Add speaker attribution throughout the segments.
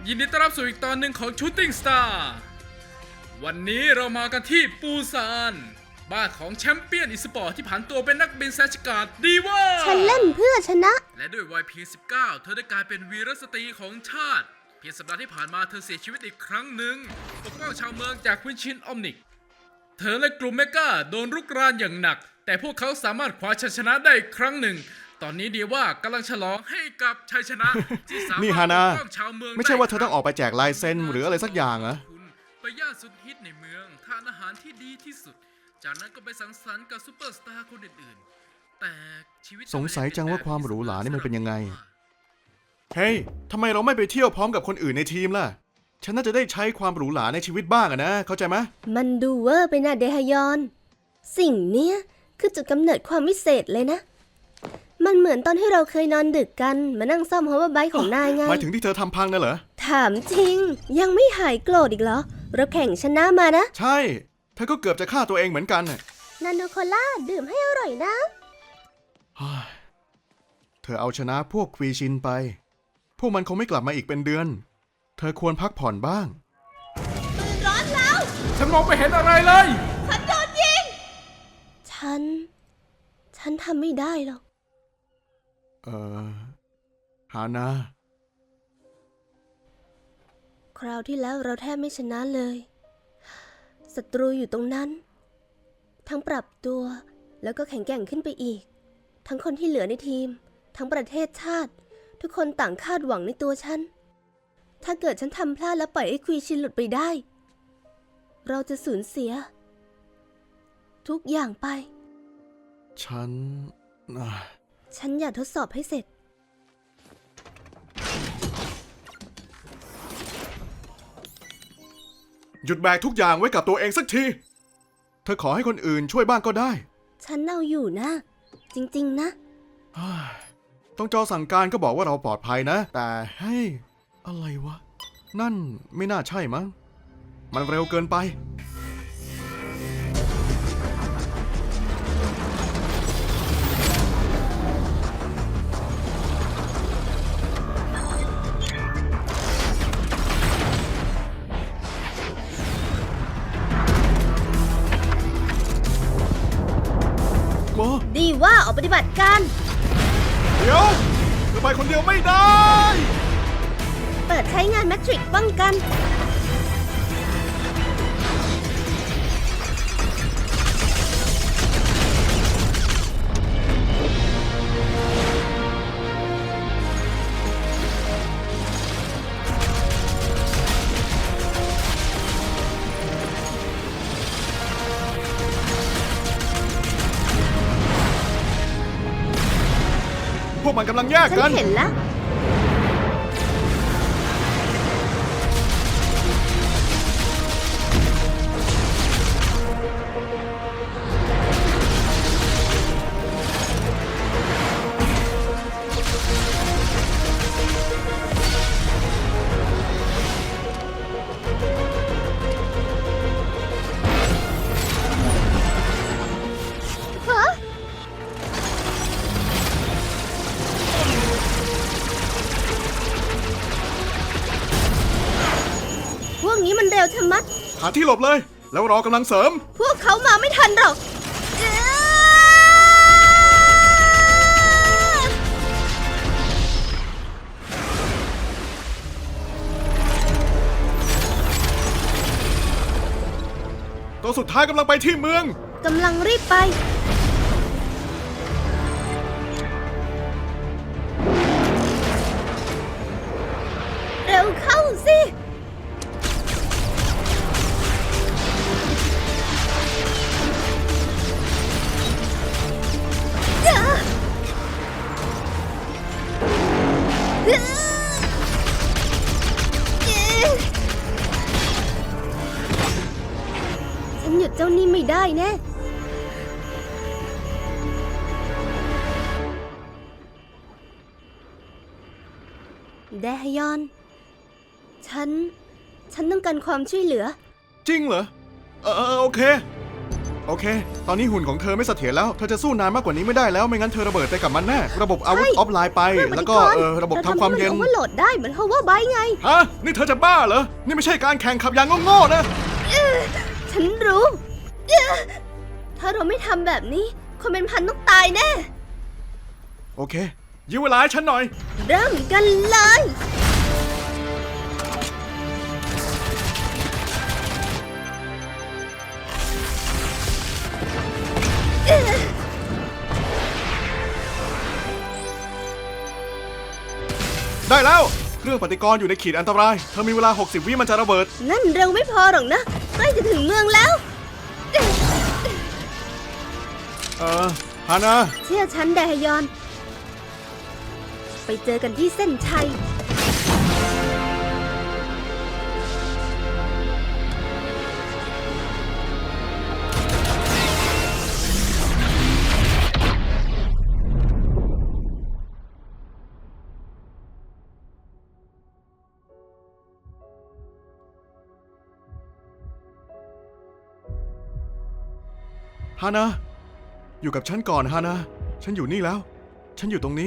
Speaker 1: ยินดีต้อนรับสู่อีกตอนหนึ่งของ Shooting Star วันนี้เรามากันที่ปูซานบ้านของแชมเปี้ยนอีสปอร์ตที่ผันตัวเป็นนักบินแซชการ์ดดีว่า
Speaker 2: ฉันเล่นเพื่อชนะ
Speaker 1: และด้วยวัยเพียง 19 เธอได้กลายเป็นวีรสตรีของชาติเพียงสัปดาห์ที่ผ่านมาเธอเสียชีวิตอีกครั้งหนึ่งปกป้องชาวเมืองจากควินชินออมนิกเธอและกลุ่มเมกาโดนรุกรานอย่างหนักแต่พวกเขาสามารถคว้าชัยชนะได้อีกครั้งหนึ่งตอนนี้ดีว่ากำลังฉลองให้กับชัยชนะที่สามารถ
Speaker 3: นี่ฮานา
Speaker 1: ปกป้องชาวเมือง
Speaker 3: ไม่ใช่ว่าเธอต้องออกไปแจกลายเซ็นหรืออะไรสักอย่างเหรอ
Speaker 1: ไปย่านสุดฮิตในเมืองทานอาหารที่ดีที่สุดจากนั้นก็ไปสังสรรค์กับซูเปอร์สตาร์คนอื่นๆแต่ชีวิต
Speaker 3: สงสัยจังว่าความหรูหรานี่มันเป็นยังไงเฮ้ยทำไมเราไม่ไปเที่ยวพร้อมกับคนอื่นในทีมล่ะฉันน่าจะได้ใช้ความหรูหราในชีวิตบ้างอะนะเข้าใจไหม
Speaker 2: มันดูเวอร์ไปนะเดฮยอน สิ่งเนี้ยคือจุดกำเนิดความวิเศษเลยนะ มันเหมือนตอนที่เราเคยนอนดึกกันมานั่งซ่อมฮอเวอร์ไบค์ของนายไง
Speaker 3: หมายถึงที่เธอทำพังน่ะเหรอ
Speaker 2: ถามจริงยังไม่หายโกรธอีกเหรอเราแข่งชนะมานะ
Speaker 3: ใช่เธอก็เกือบจะฆ่าตัวเองเหมือนกัน
Speaker 2: นาโนโคล่าดื่มให้อร่อยนะ
Speaker 3: เธอเอาชนะพวกควีชินไปพวกมันคงไม่กลับมาอีกเป็นเดือนเธอควรพักผ่อนบ้าง
Speaker 2: ปืนร้อนแล้ว
Speaker 1: ฉันมองไม่เห็นอะไรเลย
Speaker 2: ฉันโดนยิงฉันทำไม่ได้หรอก
Speaker 3: ฮานา
Speaker 2: คราวที่แล้วเราแทบไม่ชนะเลยศัตรูอยู่ตรงนั้นทั้งปรับตัวแล้วก็แข็งแกร่งขึ้นไปอีกทั้งคนที่เหลือในทีมทั้งประเทศชาติทุกคนต่างคาดหวังในตัวฉันถ้าเกิดฉันทำพลาดแล้วปล่อยไอ้ควีชินหลุดไปได้เราจะสูญเสียทุกอย่างไป
Speaker 3: ฉัน
Speaker 2: อยากทดสอบให้เสร็จ
Speaker 3: หยุดแบกทุกอย่างไว้กับตัวเองสักทีเธอขอให้คนอื่นช่วยบ้างก็ได้
Speaker 2: ฉันเอาอยู่นะจริงๆนะ
Speaker 3: ต้องจอสั่งการก็บอกว่าเราปลอดภัยนะแต่ให้อะไรวะนั่นไม่น่าใช่มั้งมันเร็วเกินไป
Speaker 2: ดีว่าออกปฏิบัติการ
Speaker 3: เดี๋ยวเธอไปคนเดียวไม่ได้
Speaker 2: เปิดใช้งานแมทริกป้องกัน
Speaker 3: พวกมันกำลังแยกกัน
Speaker 2: ฉันเห็นแล้วพวกนี้มันเร็วชะมัด
Speaker 3: หาที่หลบเลยแล้วรอกำลังเสริม
Speaker 2: พวกเขามาไม่ทันหรอก
Speaker 3: ตัวสุดท้ายกำลังไปที่เมือง
Speaker 2: กำลังรีบไปเร็วเข้าสิฉันหยุดเจ้านี่ไม่ได้แน่แดฮยอนฉันต้องการความช่วยเหลือ
Speaker 3: จริงเหรอโอเคโอเค ตอนนี้หุ่นของเธอไม่เสถียรแล้ว เธอจะสู้นานมากกว่านี้ไม่ได้แล้ว ไม่งั้นเธอระเบิดไปกับมันแน่ ระบบอาวุธออฟไลน์ไป แล้วก็ระบบทำความเย็น
Speaker 2: เราทำให้มันโอเวอร์โหลดได้เหมือน Hover Bike ไง
Speaker 3: ฮะ นี่เธอจะบ้าเหรอ นี่ไม่ใช่การแข่งขับอย่างโง่ๆนะ
Speaker 2: ฉันรู้ถ้าเราไม่ทำแบบนี้ คนเป็นพันต้องตายแน่
Speaker 3: โอเค ยื้อเวลาให้ฉันหน่อย
Speaker 2: เริ่มกันเลย
Speaker 3: ได้แล้ว เครื่องปฏิกรณ์อยู่ในขีดอันตราย เธอมีเวลา 60 วิมันจะระเบิด
Speaker 2: นั่นเร็วไม่พอหรอกนะ ใกล้จะถึงเมืองแล้ว
Speaker 3: ฮานา
Speaker 2: เชื่อฉันไดฮยอน ไปเจอกันที่เส้นชัย
Speaker 3: ฮานา อยู่กับฉันก่อนฮานา ฉันอยู่นี่แล้ว ฉันอยู่ตรงนี้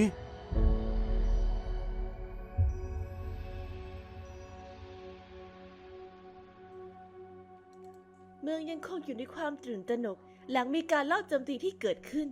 Speaker 4: เมืองยังคงอยู่ในความตื่นตระหนก หลังมีการลอบโจมตีที่เกิดขึ้น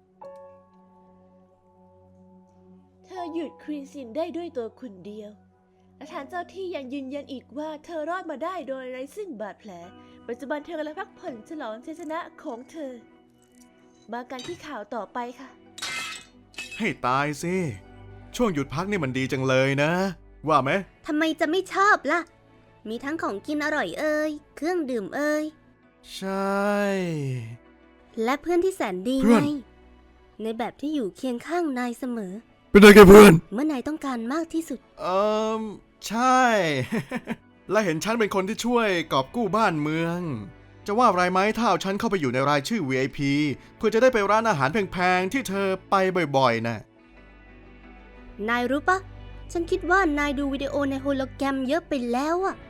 Speaker 4: เธอหยุดครีนซินได้ด้วยตัวคนเดียว และฐานเจ้าที่ยังยืนยันอีกว่าเธอรอดมาได้โดยไร้ซึ่งบาดแผล ปัจจุบันเธอกำลังพักผ่อนฉลองชัยชนะของเธอ มากันที่ข่าวต่อไปค่ะ
Speaker 3: ให้ตายสิ ช่วงหยุดพักนี่มันดีจังเลยนะ ว่าไหม
Speaker 2: ทำไมจะไม่ชอบล่ะ มีทั้งของกินอร่อยเอ่ย เครื่องดื่มเอ่ย
Speaker 3: ใช่
Speaker 2: และเพื่อนที่แสนดี
Speaker 3: เพื่
Speaker 2: ไง
Speaker 3: อน
Speaker 2: ในแบบที่อยู่เคียงข้างนายเสมอ
Speaker 3: เป็นไงเพื่อน
Speaker 2: เมื่อนายต้องการมากที่สุด
Speaker 3: ใช่ และเห็นฉันเป็นคนที่ช่วยกอบกู้บ้านเมือง จะว่าอะไรไหมถ้าเอาฉันเข้าไปอยู่ในรายชื่อ VIP เพื่อจะได้ไปร้านอาหารแพงๆที่เธอไปบ่อยๆนะ
Speaker 2: นายรู้ปะ ฉันคิดว่านายดูวิดีโอในโฮโลแกรมเยอะไปแล้วอะ